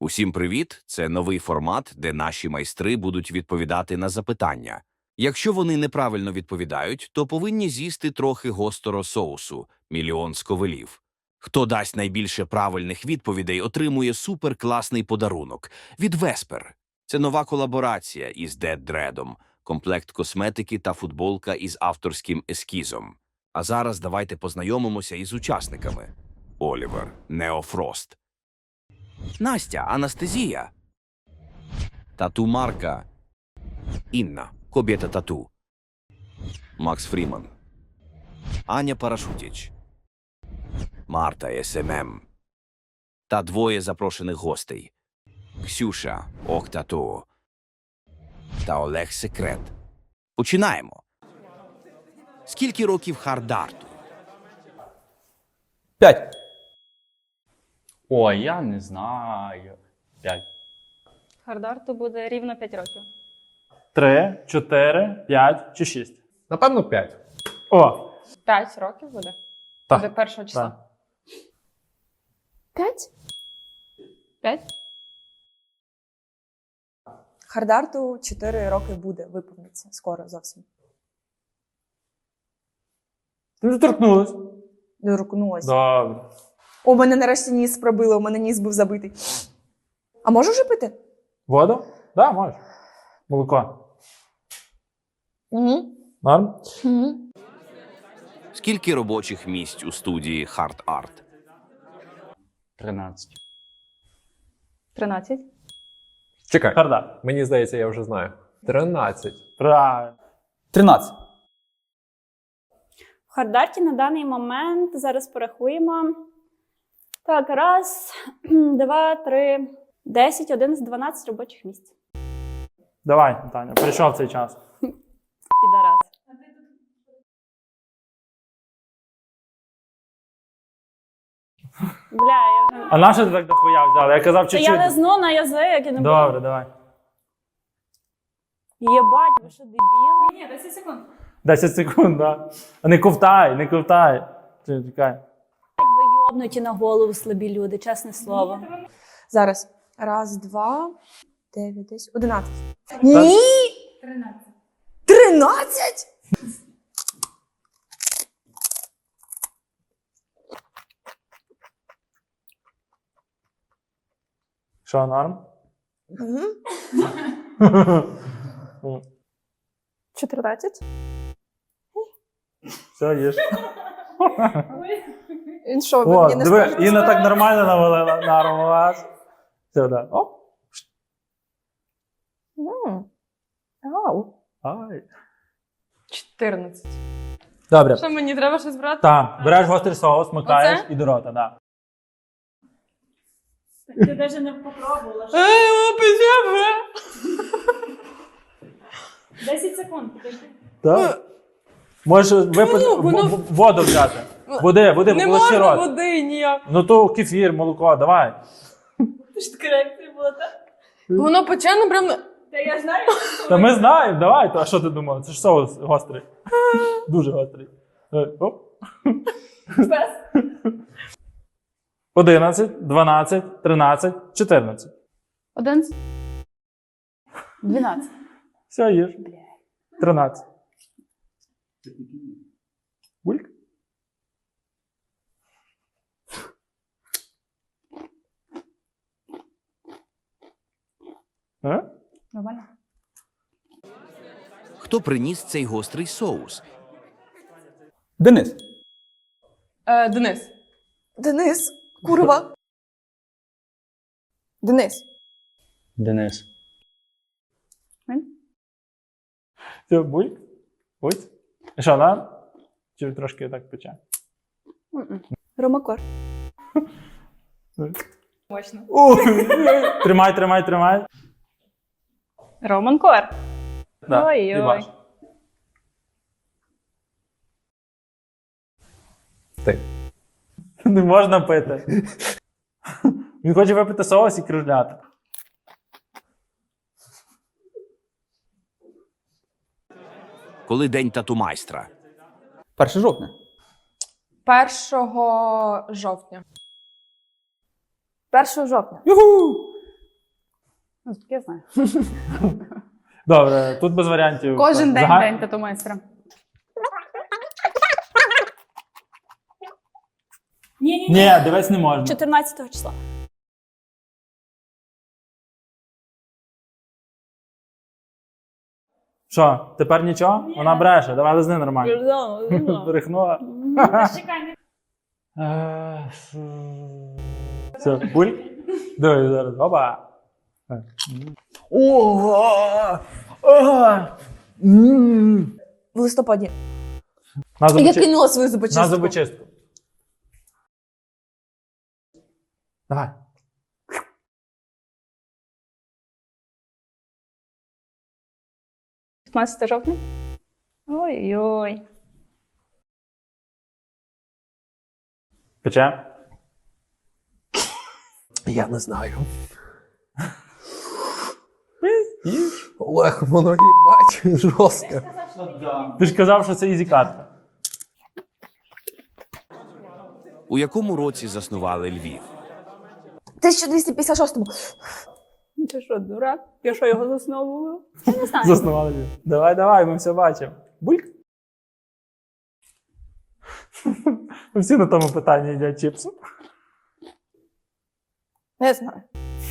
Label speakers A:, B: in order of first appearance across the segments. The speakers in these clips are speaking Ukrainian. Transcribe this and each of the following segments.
A: Усім привіт! Це новий формат, де наші майстри будуть відповідати на запитання. Якщо вони неправильно відповідають, то повинні з'їсти трохи гострого соусу – мільйон сковелів. Хто дасть найбільше правильних відповідей, отримує суперкласний подарунок від Веспер. Це нова колаборація із Dead Dread'ом, комплект косметики та футболка із авторським ескізом. А зараз давайте познайомимося із учасниками. Олівер, Неофрост. Настя, Анастезія. Тату Марка. Інна, Кобєта Тату. Макс Фріман. Аня Парашутіч. Марта СММ. Та двоє запрошених гостей. Ксюша, Ох Тату. Та Олег Секрет. Починаємо. Скільки років Хардарту?
B: 5.
C: Ой, я не знаю. 5.
D: Хардарту буде рівно 5 років.
C: 3, 4, 5 чи 6.
B: Напевно, 5.
C: О!
D: 5 років буде?
C: Так.
D: Буде першого числа.
C: Так.
E: 5?
D: 5?
E: Хардарту 4 роки буде, виповниться. Скоро зовсім.
C: Ти вже торкнулась.
E: Дорукнулася.
C: Добре.
E: У мене нарешті ніс пробило, у мене ніс був забитий. А можу вже пити?
C: Воду? Так, да, можеш. Молоко.
E: Угу.
C: Норм?
E: Угу.
A: Скільки робочих місць у студії Hard Art?
C: 13.
D: 13?
B: Чекай.
C: Харда.
B: Мені здається, я вже знаю. 13.
C: Правильно.
B: 13.
F: В Хардарті на даний момент, зараз порахуємо. Так, 1, 2, 3, 10, 11, 12 робочих місць.
C: Давай, Таня, прийшов цей час.
F: Підарас. Бля, я вже...
C: А на що ти так дохуя взяла? Я казав
F: Та
C: чуть-чуть.
F: я не зну на язик, я не
C: Добре, давай.
F: Єбать, ви що, дебіли? Ні, 10 секунд.
C: 10 секунд, да. А не ковтай, не ковтай. Чекай.
F: Ви йобнуті на голову слабі люди, чесне слово.
E: Зараз. 1, 2, 9, 10, 11. Ні! 13. 13?
C: Що, норм?
E: Угу.
D: 14?
C: Все, їж.
E: Він що, ви
C: О,
E: мені не
C: диви,
E: скажете?
C: Інна так нормально навалила на аромат. Все, да. Оп.
E: Ау.
C: Ай.
D: 14.
C: Добре.
D: Що, мені треба щось брати?
C: Так, береш гострий соус, макаєш
D: Оце?
C: і до рота, да.
F: Ти навіть не попробувала. 10 секунд, підожди.
C: Так. Можеш випити, воду взяти. Води,
D: Не
C: полощи
D: можна
C: рот.
D: води ніяк.
C: Ну то кефір, молоко, давай.
F: Ти ж така реакція була, так?
D: Воно печено прям...
F: Та я знаю.
C: Та ми знаємо, давай. А що ти думав? Це ж соус гострий. Дуже гострий. Оп. 11, 12, 13, 14.
D: 11? 12.
C: Все, їж. 13. Бульк. А?
D: Нормально.
A: Хто приніс цей гострий соус?
B: Денис.
D: Денис.
E: Денис. Курва. Денис.
C: Денис. Все, бульк. Ось. І що, да? Чи трошки так пече?
F: Ромакор.
D: Мощно.
C: Тримай, тримай, тримай.
F: Романкор.
C: Да,
F: Ой-ой.
C: і ваш.
B: Ти.
C: Не можна пити. Він хоче випити соус і кружляти.
A: Коли день тату-майстра?
B: 1 жовтня.
D: 1 жовтня.
F: 1 жовтня.
B: Юху!
D: Ну, таке я знаю.
C: Добре, тут без варіантів.
D: Кожен день
C: Зага-
D: день тату-майстра.
F: Ні.
C: Ні, дивись не можна.
F: 14 числа.
C: Що, тепер нічого? Вона бреше, давай лизни нормально. Брехнула. Все, буль. Давай зараз. Опа.
E: В листопаді.
C: На
E: Я
C: зубочистку.
E: кинула свою
C: На
E: зубочистку.
C: зубочистку. Давай.
F: – 15 жовтня. Ой-ой.
C: Пече?
G: Я не знаю.
C: Їж.
G: Олег, воно їбать жорстко.
C: Ти ж казав, що це ізі-катка.
A: У якому році заснували Львів?
E: 1256-му.
F: Ти що, дурак? Я що, його засновувала? Я не знаю.
C: Заснували Львів. Давай, ми все бачимо. Бульк. Ми всі на тому питанні їдять чіпси.
E: Не знаю.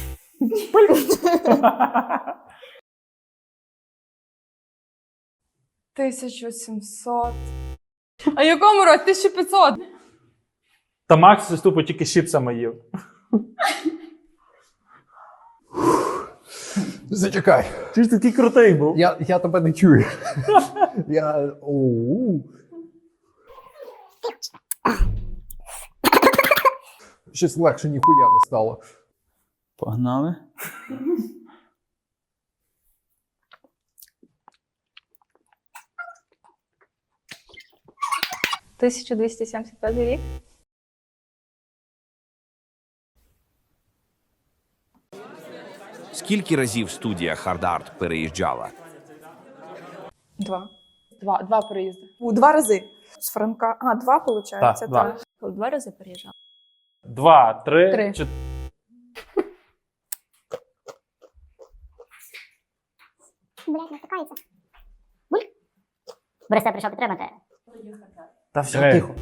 D: 1700. А якому році? 1500.
C: Та Макс із тупо тільки з чіпсами їв.
G: Зачекай.
C: Ти ж такий крутий був.
G: Я тебе не чую. Я. Оу. Щось легше ніхуя не стало.
B: Погнали.
F: – 1275 рік.
A: Скільки разів студія Hard Art переїжджала?
D: 2. Два переїзди.
E: 2 рази. З Франка. 2, виходить.
C: Так, 2.
F: Коли 2 рази переїжджала.
C: 2, 3,
D: 3.
C: 4.
H: Блядь, натикається. Буль. Борисе прийшов підтримати.
C: Та все, тихо.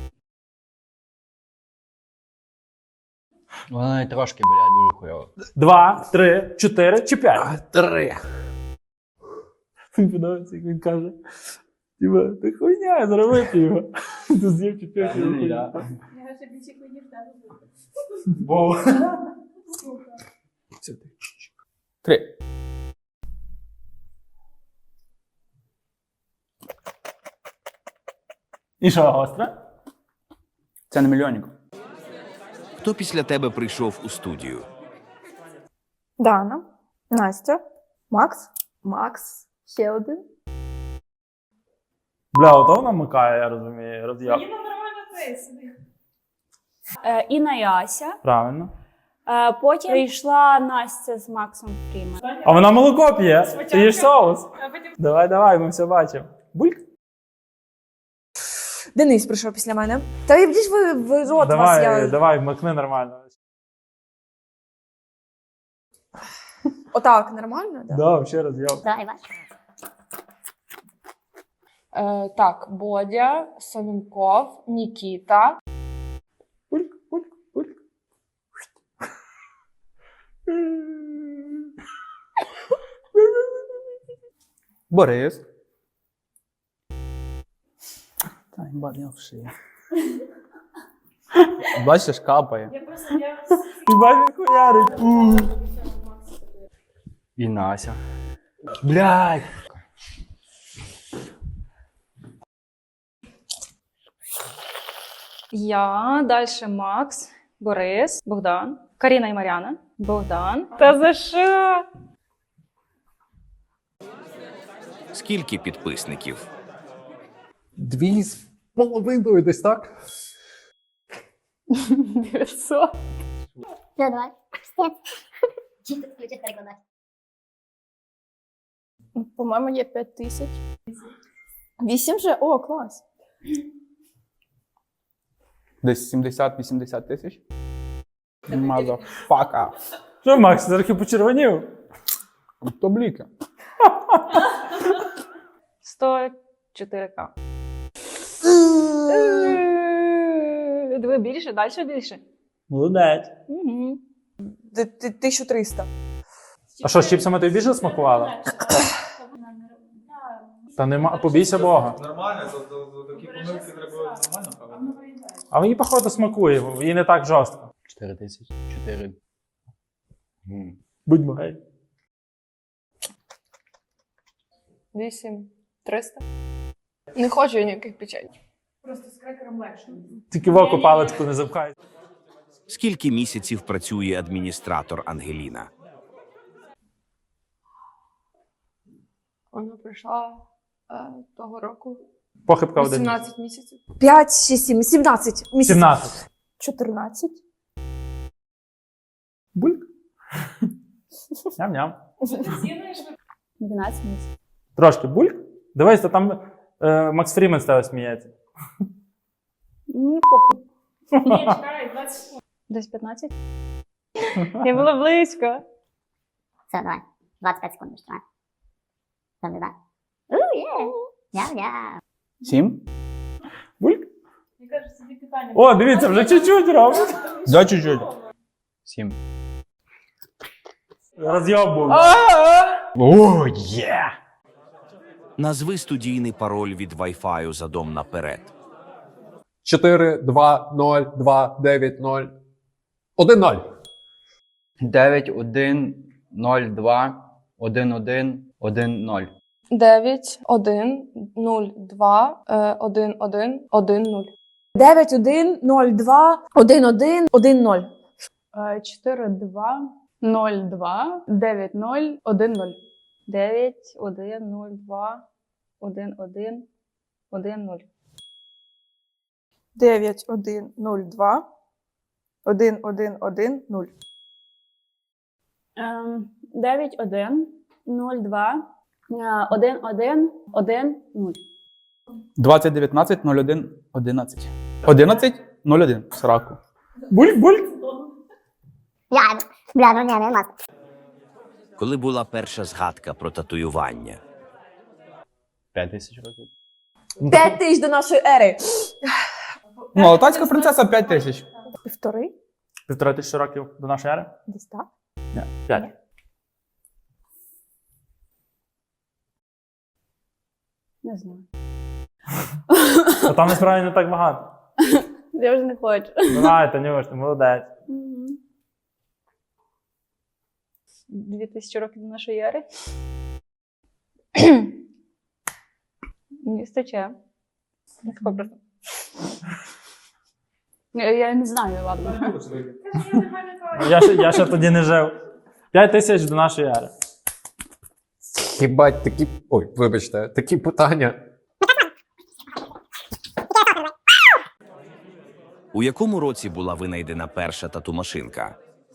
I: Вона трошки, блядь, дуже хуйово.
C: 2, 3, 4 чи 5?
G: 3.
C: Мені подобається, як він каже. Тіба, ти хуйня, зробити його. Ти з'їв чи 5 хуйня. Бо.
B: 3.
C: І що, гостре?
B: Це не мільйонник.
A: Хто після тебе прийшов у студію?
E: Дана, Настя, Макс, ще один.
C: Бля, ото вона микає, я розумію, роз'яв.
F: Інна і Ася.
C: Правильно.
F: Потім прийшла Настя з Максом Фрімен.
C: А вона молоко п'є. Ти їш соус. Давай, ми все бачимо. Бульк?
E: Денис прийшов після мене. Та йдіть ви в рот вас, я...
C: Давай, макни нормально.
E: Отак, нормально? Да?
C: Да, ще раз я.
H: Давай, бач.
D: Так, Бодя, Савінков, Нікіта.
C: Бульк.
B: Борис. Та, їбать, я в шиї. Бачиш, капає.
C: Хіба він хуярить?
I: І Нася. Блядь.
F: Я, далі Макс, Борис, Богдан, Каріна і Мар'яна, Богдан. Та за що?
A: Скільки підписників?
G: 2,5 десь так.
F: 900.
H: Ну, давай. Стець. Чи ти включиш перекладати?
D: По-моєму, є 5000. 8 же? О, клас.
B: Десь 70-80 тисяч. Мазафака.
C: Що, Макс, трохи почервонів?
B: То бліки.
J: 104К. Диви більше, далі більше.
C: Молодець.
J: Угу.
E: 1300.
C: А що, з чіпсами тобі більше смакувало? Та нема, побійся Бога.
K: Нормально, за такі помилки треба нормально правильно.
C: А мені, походу, смакує, їй не так жорстко.
I: 4000. 4.
C: Будьмо гей.
J: 8300. Не хочу я ніяких печень.
C: Тільки в око паличку не запхай.
A: Скільки місяців працює адміністратор Ангеліна?
J: Вона прийшла того року.
C: Похибка один.
J: 18 місяців.
E: 5, 6, 7, 17 місяців.
C: 17.
D: 14.
C: Бульк. Ням-ням.
F: 12 місяців.
C: Трошки бульк. Дивись, то там Макс Фрімен з тебе сміється.
F: Ні, похуй. Ні, чекай, 20. Десь 15? Я була близько.
H: Все, давай. 25 секунд ще тримай. Добре, так. Є. Няу-няу.
B: 7?
C: Бульк.
F: Я кажу, собі питання.
C: О, дивіться, вже чуть-чуть робить.
B: Да, чуть-чуть.
I: 7.
C: Роз'єб був.
I: О, є!
A: Назви студійний пароль від Wi-Fi за дом наперед.
G: 4, 2, 0, 2, 9, 0. 1, 0.
I: 9, 1, 0, 2, 1, 1, 1, 0.
J: 9, 1, 0, 2, 1, 1, 1, 0.
E: 9, 1, 0, 2, 1, 1, 1, 0.
J: 4, 2, 0, 2, 9, 0, 1, 0. 9, 1, 0, 2, 1, 1, 1, 0.
E: 9, 1, 0, 2, 1, 1, 1, 0.
F: 9, 1, 0, 2, 1, 1, 1, 0.
B: 20, 19, 01, 11. 11, 01. Сраку.
C: Бульк, бульк.
H: Я, бля, ну ні, не мас.
A: Коли була перша згадка про татуювання?
I: 5000 років.
E: 5 тисяч до нашої ери.
B: Ну, Алтайська принцеса 5 тисяч.
D: 1,5?
C: 1500 років до нашої ери?
D: Десь так.
C: Ні, 5.
F: Не знаю.
C: А там насправді не так багато.
F: Я вже не хочу.
C: Давай, Танюш, ти молодець.
J: 2000 років до нашої ери. Місто Че. Тако просто.
F: Я не знаю, ладно.
C: Я ще тоді не жив. 5000 до нашої ери.
G: Хіба такі. Ой, вибачте, такі питання.
A: У якому році була винайдена перша тату-машинка?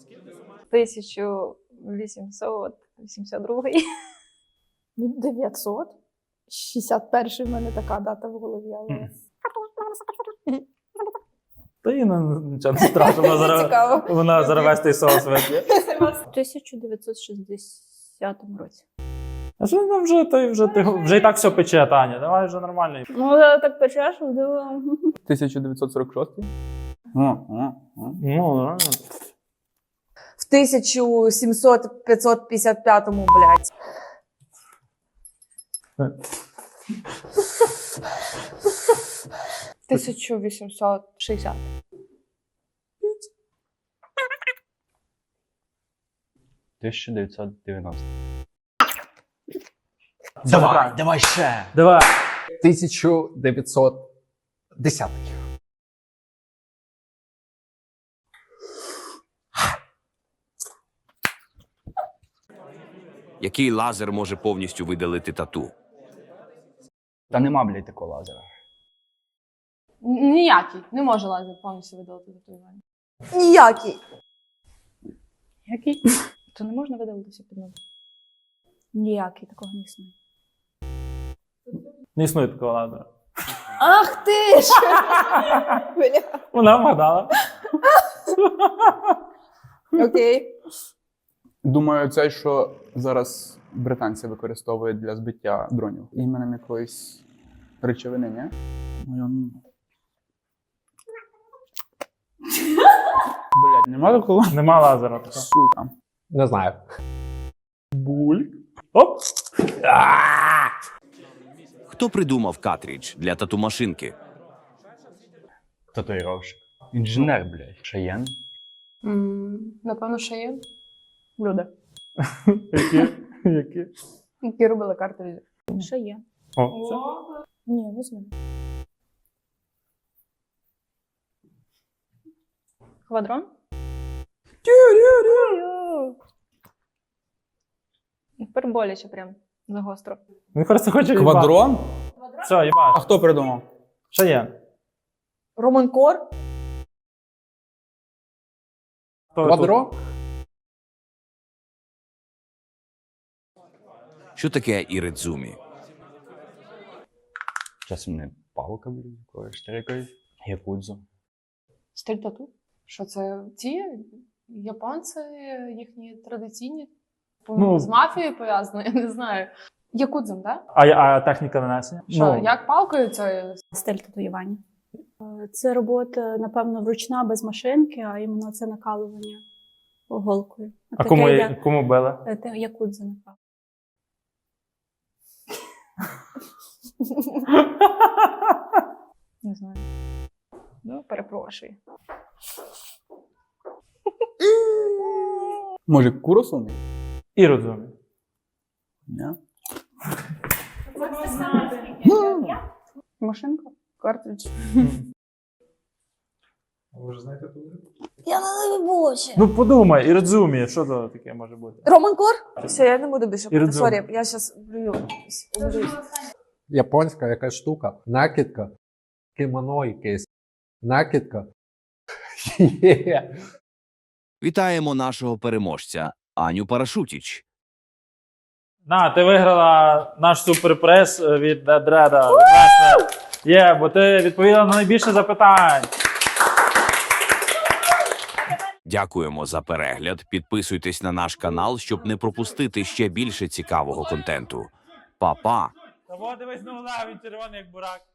J: 1882.
D: Ну, 900. 61 в мене така дата в голові, але...
C: Та їй нічого не страшно, вона зараз весь той соус вип'є.
F: В 1960 році.
C: А що там вже і так все пече, Таня, давай вже нормально.
F: Ну, так печеш, вдиво.
B: 1946.
C: Ну, нормально.
E: В 1700-555, блядь.
J: – 1860.
I: 1990.
C: Давай,
I: давай ще!
C: Давай.
G: 1910.
A: Який лазер може повністю видалити тату?
I: Та нема, блядь, такого лазера.
J: Ніякий. Не може лазер повністю видалити татуювання.
E: Ніякий.
F: Який?
J: То не можна видалитися під ноги.
F: Ніякий, такого не існує.
C: Не існує такого лазера.
D: Ах ти ж! Бля.
C: Вона вгадала.
D: Окей.
B: Думаю, цей, що зараз британці використовують для збиття дронів. Іменем якоїсь речовини, ні? Ну, блядь, нема такого?
C: Нема лазера. така.
B: Сука.
G: Не знаю.
C: Бульк. Оп! А!
A: Хто придумав картридж для тату-машинки?
I: Татуїровщик. Інженер, блядь. Шаєн.
J: Напевно, ще є люди,
C: Які?
J: які робили картриджі.
F: Що є?
C: О, це.
D: Ні, не знаю.
J: Квадрон? Тепер боляче прям загостро.
C: Він просто хоче їбати.
B: Квадрон?
C: Все,
B: А
C: їбаш.
B: хто придумав?
C: Що є?
E: Роман Кор.
G: Квадро?
A: Що таке іридзумі?
I: Часом не палка, блядь, якоїсь штрикою. Якудзо.
J: Стиль тату? Що це? Ці японці, їхні традиційні?
C: Ну.
J: З мафією пов'язано, я не знаю. Якудзом, так?
C: А техніка нанесення?
J: Що, як палкою це?
F: Стиль татуювання. Це робота, напевно, вручна без машинки, а іменно це накалування голкою.
C: А кому били?
F: Якудза, напевно.
J: Не знаю. Ну, перепрошую.
B: Може, Куросуми?
C: І розумію.
B: Ні.
J: Машинка? Картридж?
K: Ви вже знаєте тут?
E: Я не боже.
C: Ну подумай, і розуміє, що то таке може бути.
E: Роман Кор? Все, я не буду більше.
C: Іридзумі.
E: Сорі, я зараз блюю.
G: Японська якась штука. Накидка. Кимоно якесь. Накидка. Є.
A: Вітаємо нашого переможця Аню Парашутіч.
C: На, ти виграла наш суперприз від Дреда. Є, бо ти відповіла на найбільше запитань.
A: Дякуємо за перегляд. Підписуйтесь на наш канал, щоб не пропустити ще більше цікавого контенту. Па-па!
C: Та во, дивись, ну він червоний як бурак.